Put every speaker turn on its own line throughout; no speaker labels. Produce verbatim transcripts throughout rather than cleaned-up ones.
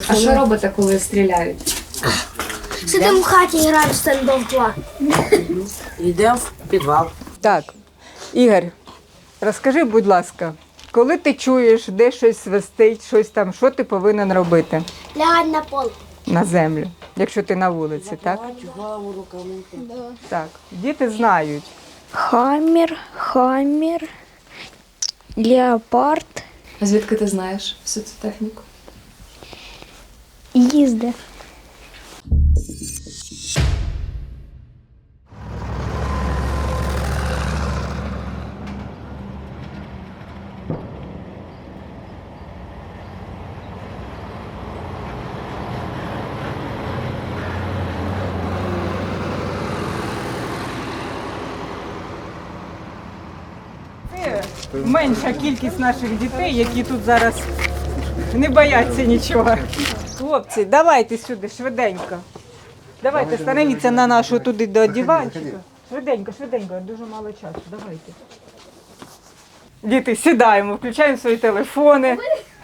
А що робите, коли стріляють?
Сидимо в хаті, граємо в стендов два.
Йдемо в підвал.
Так, Ігор, розкажи, будь ласка, коли ти чуєш, де щось свистить, щось там, що ти повинен робити
Лягать на пол.
на землю, якщо ти на вулиці, так?
Голову руками.
Так, діти знають.
Хаммер, хаммер, леопард,
А звідки ти знаєш всю цю техніку?
їзди.
Це менша кількість наших дітей, які тут зараз не бояться нічого. Хлопці, давайте сюди, швиденько. Давайте, становіться на нашу туди до диванчика. Швиденько, швиденько, дуже мало часу, давайте. Діти, сідаємо, включаємо свої телефони.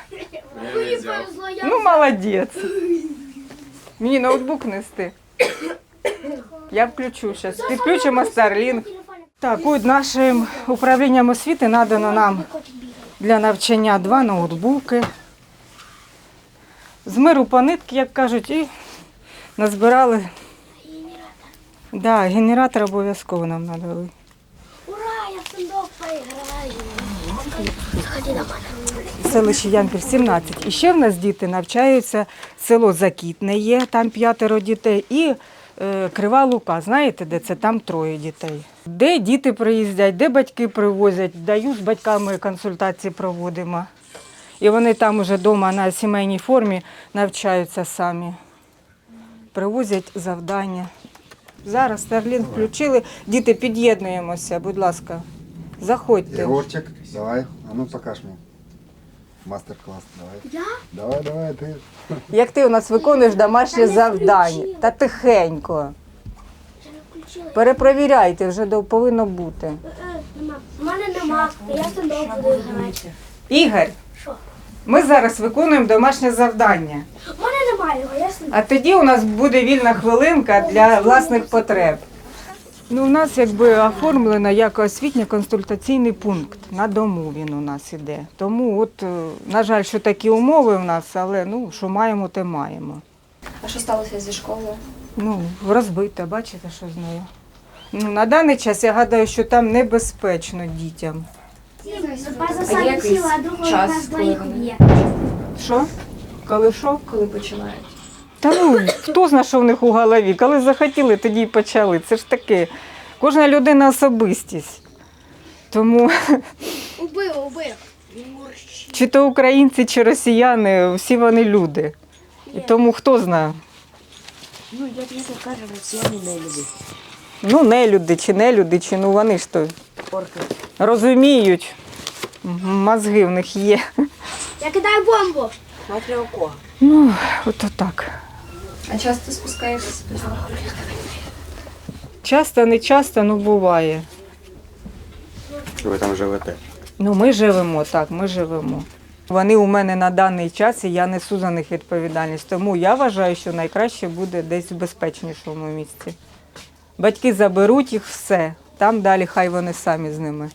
Ну, молодець. Мені ноутбук нести. Я включу зараз. Підключимо Starlink. Так, от нашим управлінням освіти надано нам для навчання два ноутбуки. З миру по нитки, як кажуть, і назбирали. Да, генератор обов'язково нам надали.
Ура, я в стендов поіграю. Заходи на мене.
Селище Янків сімнадцять. І ще в нас діти навчаються, село Закітне є, там п'ятеро дітей, і е, Крива Лука, знаєте, де це? Там троє дітей. Де діти приїздять, де батьки привозять, даю з батьками консультації проводимо. І вони там уже вдома на сімейній формі навчаються самі. Привозять завдання. Зараз Starlink включили. Діти, під'єднуємося, будь ласка. Заходьте.
Егорчик, давай, а ну покаж мне. Мастер-класс, давай.
Я?
Давай, давай, ты.
Як ти у нас виконуєш домашнє завдання? Та тихенько.
Ще не включила.
Перепровіряйте, вже до- повинно бути.
Е, нема. У мене нема, я в стендов буду грати.
Ігор,
Що?
ми зараз виконуємо домашнє завдання.
У мене немає його, я стендов.
А тоді у нас буде вільна хвилинка для власних потреб. Ну, у нас якби оформлено як освітньо-консультаційний пункт. На дому він у нас іде. Тому, от, е, на жаль, що такі умови в нас, але ну, що маємо, те маємо.
А що сталося зі школою?
Ну, розбита, бачите, що з нею. Ну, на даний час я гадаю, що там небезпечно дітям.
База
А
сам
є якийсь
сіла, а другого
час,
нас
коли
двоїх
вони?
б'є.
Що? Коли що?
Коли починають?
Та ну, хто знає, що в них у голові? Коли захотіли, тоді й почали. Це ж таке. Кожна людина особистість. Тому
Убив, убив.
чи то українці, чи росіяни, всі вони люди. І тому хто знає?
Ну, як не кажемо, всі вони не люблять.
Ну, не люди, чи не люди, чи ну вони ж то
Орки.
розуміють. Мгм, мозги в них є.
Я кидаю бомбу.
Смотри, у кого.
Ну, от так.
А часто спускаєшся з підвалу?
Часто, не часто, ну буває.
Ви там живете?
Ну, ми живемо, так, ми живемо. Вони у мене на даний час, і я несу за них відповідальність. Тому я вважаю, що найкраще буде десь в безпечнішому місці. Батьки заберуть їх все, там далі хай вони самі з ними.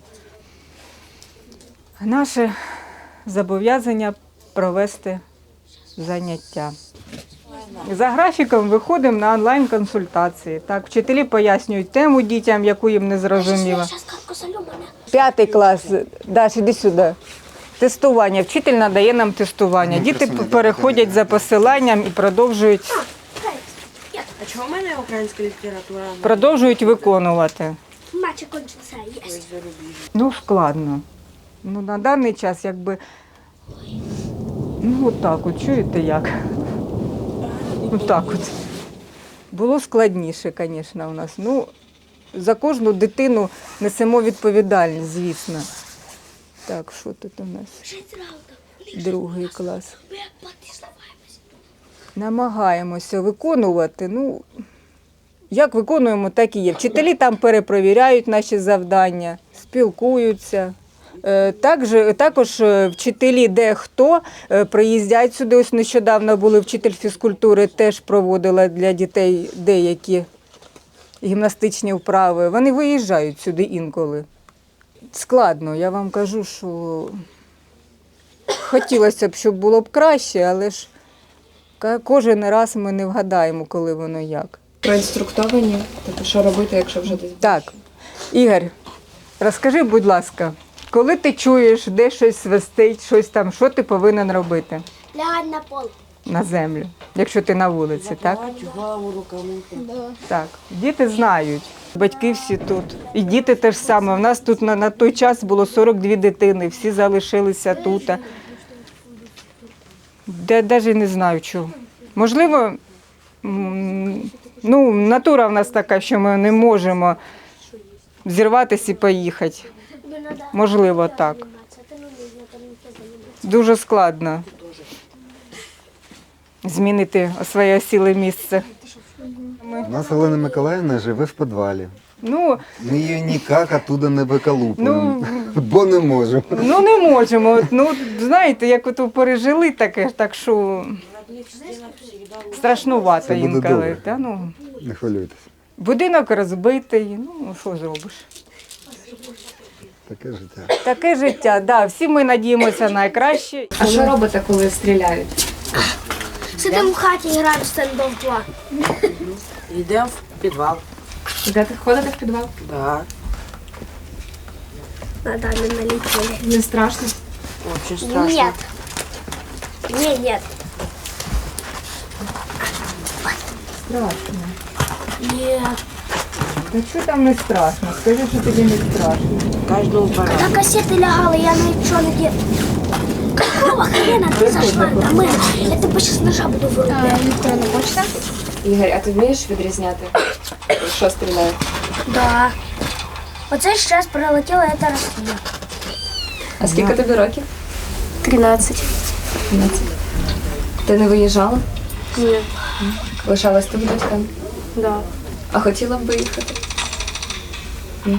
Наше зобов'язання провести заняття. За графіком виходимо на онлайн-консультації. Так, вчителі пояснюють тему дітям, яку їм не зрозуміло.
Зараз катку солю мене.
П'ятий клас, Даш, іди сюди. Тестування. Вчитель надає нам тестування. Діти переходять за посиланням і продовжують,
А чого в мене українська література?
продовжують виконувати.
Матч кончився, є.
Ну, складно. Ну, на даний час, якби, ну, отак от, чуєте як? Отак от. Було складніше, звісно, у нас. Ну, за кожну дитину несемо відповідальність, звісно. Так, що тут у нас? Другий клас. Намагаємося виконувати, ну, як виконуємо, так і є. Вчителі там перепровіряють наші завдання, спілкуються. Е, Також, також е, вчителі дехто е, приїздять сюди. Ось нещодавно були вчитель фізкультури, теж проводила для дітей деякі гімнастичні вправи. Вони виїжджають сюди інколи. Складно, я вам кажу, що хотілося б, щоб було б краще, але ж ка- кожен раз ми не вгадаємо, коли воно як.
Проінструктовані, тобто що робити, якщо вже десь.
Так, Ігор, розкажи, будь ласка, коли ти чуєш, де щось свистить, щось там, що ти повинен робити
Лягать на пол.
на землю, якщо ти на вулиці, так?
Закривати голову руками.
Так. Діти знають, батьки всі тут. І діти теж саме. У нас тут на, на той час було сорок дві дитини, всі залишилися тут. Я навіть не знаю, чого. Можливо, м, ну, натура в нас така, що ми не можемо зірватися і поїхати. Можливо, так. Дуже складно змінити своє осіле місце.
У нас Олена Миколаївна живе в підвалі.
Ну,
Ми її ніяк оттуда не виколупуємо,
Ну,
бо не можемо.
ну не можемо. От, ну, знаєте, як ото пережили таке, так що страшнувато
Це буде
інколи.
добре.
Та, ну,
Не хвилюйтесь.
будинок розбитий, ну що зробиш?
Таке життя.
Таке життя, да, всі ми надіємося на найкраще.
А що робите, коли стріляють?
Сидимо в хаті і граємо в стендов два.
Йдемо в підвал.
Йдете, ходите в підвал?
Да.
На даме налетели.
Не страшно?
Очень страшно.
Нет. Не, нет.
Страшно.
Нет.
Та що там не страшно? Скажи, що тобі не страшно.
Кожному пора.
Когда кассеты лягала, я ничего не делала. Какого хрена ты зашла домой? Я тебе сейчас ножа буду вырубать.
Електронна почта? Ігор, а ти вмієш відрізняти, що стріляє?
Да. Оце сейчас прилетела эта Россия.
А скільки тобі років?
тринадцать.
тринадцять. Ти не виїжджала?
Нет.
Лишалась тут батькам?
Да.
А хотіла б виїхати?
Нет.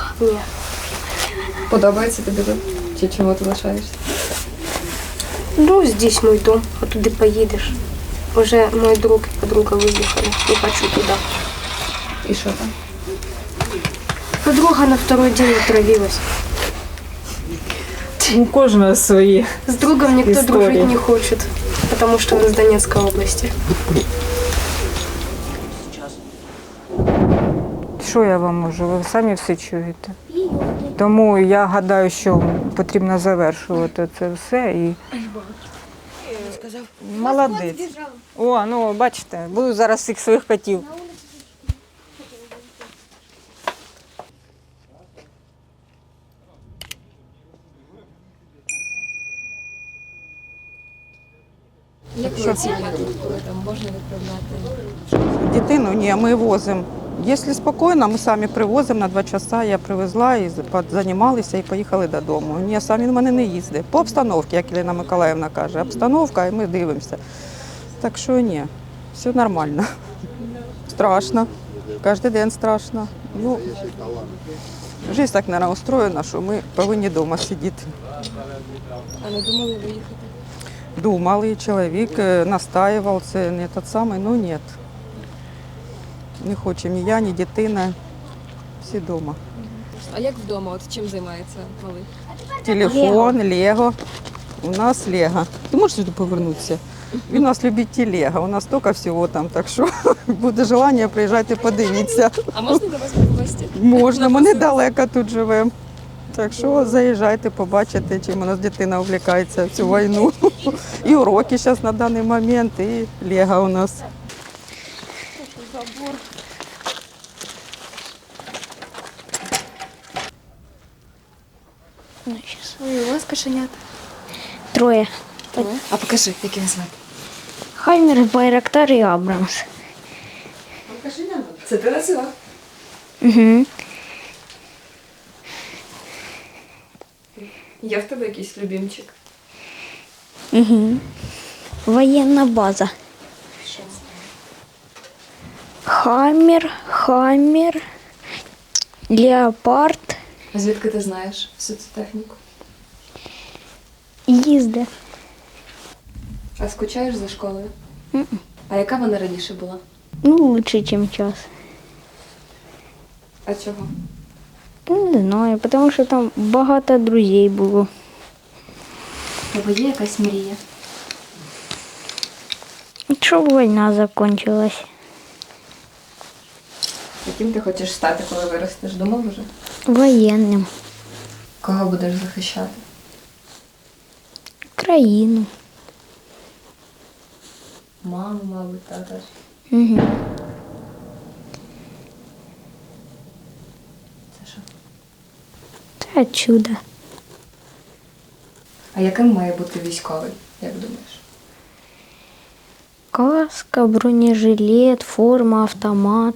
Подобається тобі тут? Чи чому ти лишаєшся?
Ну, здесь мой дом, а туди поїдеш. Уже мой друг и подруга выехали, не хочу туда.
І що там?
Подруга на второй день отравилась.
У кожного свої.
С другом никто
Истории.
дружить не хочет, потому что он из Донецкой области.
Що я вам можу? Ви самі все чуєте. Тому я гадаю, що потрібно завершувати це все і. Молодець. О, ну бачите, буду зараз всіх своїх котів.
Як ви оцінюєте, коли там можна відправляти?
Дитину ні, ми возимо. Якщо спокійно, ми самі привозимо на два часа. Я привезла і займалися і поїхали додому. Ні, самі в мене не їздить. По обстановці, як Ірина Миколаївна каже, обстановка, і ми дивимося. Так що ні, все нормально. Страшно. Кожен день страшно. Ну, життя так, мабуть, устроєна, що ми повинні вдома сидіти.
А не думали виїхати?
Думали, чоловік е, настаював, це не той самий, ну ні. Не хочемо ні я, ні дитина, всі вдома.
А як вдома? От чим займається малий?
Телефон, Лего. У нас Лего. Ти можеш сюди повернутися? Він у нас любить Лего, у нас стільки всього там, так що буде бажання, приїжджайте, подивіться.
А можна до вас в гості?
Можна, ми недалеко тут живемо. Так що заїжджайте, побачите, чим у нас дитина увлікається в цю війну. І уроки зараз на даний момент, і Лего у нас.
Ой, у вас кошенята.
Троє.
А покажи, як їх звати.
Хаймер, Байрактар і Абрамс.
Це ти називав?
Угу.
Є в тебе якийсь любимчик?
Угу. Воєнна база. Хаммер, Хаммер, Леопард
А звідки ти знаєш всю цю техніку?
Їзде.
А скучаєш за школою? А яка вона раніше була?
Ну, лучше, ніж час.
А чого?
Ну, не знаю, тому що там багато друзей було.
У тебе є якась мрія?
Щоб війна закінчилась.
Яким ти хочеш стати, коли виростеш? Думав вже?
Воєнним.
Кого будеш захищати?
Країну.
Маму, мабуть, тата.
Угу.
Це що?
Та чудо.
А яким має бути військовий, як думаєш?
Каска, бронежилет, форма, автомат.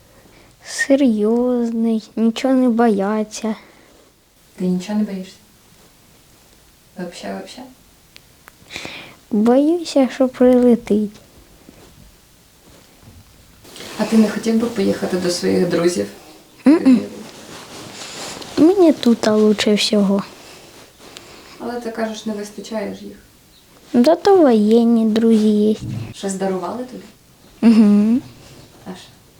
Серйозний, нічого не бояться.
Ти нічого не боїшся? Вообще, вообще?
Боюся, що прилетить.
А ти не хотів би поїхати до своїх друзів?
Мені тут лучше всього.
Але ти кажеш, не вистачає ж їх.
Да то воєнні друзі є.
Щось дарували тобі?
Угу.
Аж.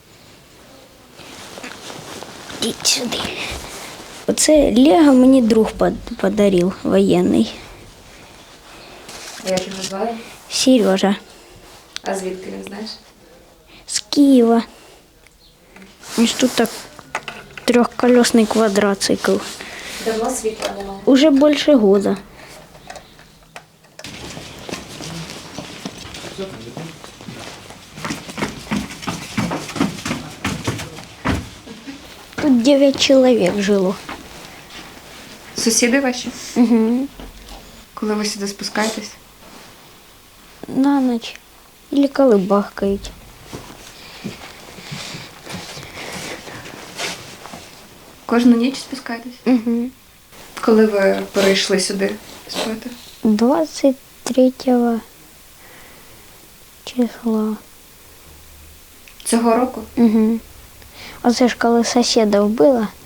Ідіть сюди. Оце Лего мені друг под- подарив, воєнний.
А як його звали?
Сережа.
А звідки він знаєш?
З Києва. Ось тут так трьохколесний квадроцикл.
Давно світла немає.
Уже більше года. Тут дев'ять чоловік жило.
Сусіди ваші?
Угу.
Коли ви сюди спускаєтесь?
На ніч. Или коли бахкають.
Кожну ніч спускаєтесь?
Угу.
Коли ви перейшли сюди спати?
двадцять третього числа.
Цього року?
Угу. Оце ж коли сусіда вбила,